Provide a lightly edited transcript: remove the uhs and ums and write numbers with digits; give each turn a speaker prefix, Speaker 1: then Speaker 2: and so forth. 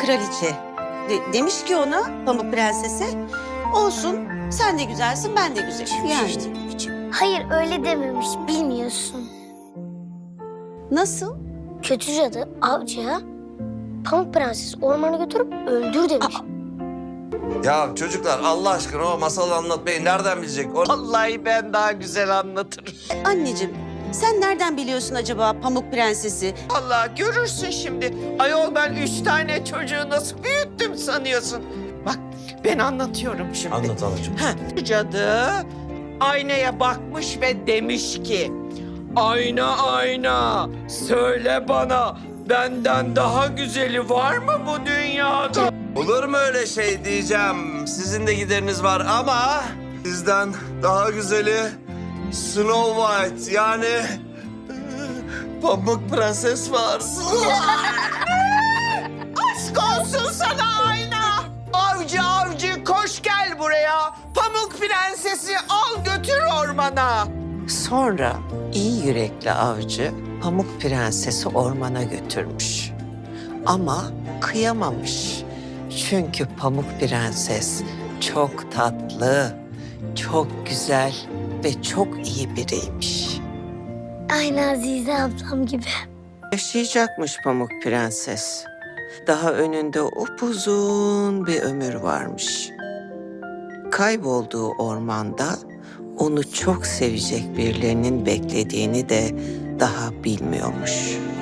Speaker 1: kraliçe. Demiş ki ona Pamuk Prenses'e, olsun sen de güzelsin ben de güzelim. Yani
Speaker 2: Hayır öyle dememiş, bilmiyorsun.
Speaker 1: nasıl?
Speaker 2: Kötü cadı avcıya Pamuk Prenses ormana götürüp öldür demiş.
Speaker 3: Ya çocuklar Allah aşkına o masalı anlatmayı nereden bilecek?
Speaker 4: Vallahi ben daha güzel anlatırım.
Speaker 1: Anneciğim sen nereden biliyorsun acaba Pamuk Prenses'i?
Speaker 4: Vallahi görürsün şimdi. Ayol ben 3 tane çocuğu nasıl büyüttüm sanıyorsun? Bak ben anlatıyorum şimdi.
Speaker 3: Anlat anacığım.
Speaker 4: Cadı aynaya bakmış ve demiş ki... Ayna ayna söyle bana benden daha güzeli var mı bu dünyada?
Speaker 3: Olur mu öyle şey diyeceğim. Sizin de gideriniz var ama sizden daha güzeli Snow White yani Pamuk Prenses var.
Speaker 4: Aşk olsun sana ayna. Avcı avcı koş gel buraya. Pamuk Prensesi al götür ormana. Sonra iyi yürekli avcı Pamuk Prensesi ormana götürmüş. Ama kıyamamış. Çünkü Pamuk Prenses çok tatlı, çok güzel ve çok iyi biriymiş.
Speaker 2: Aynı Azize ablam gibi.
Speaker 4: Yaşayacakmış Pamuk Prenses. Daha önünde upuzun bir ömür varmış. Kaybolduğu ormanda onu çok sevecek birilerinin beklediğini de daha bilmiyormuş.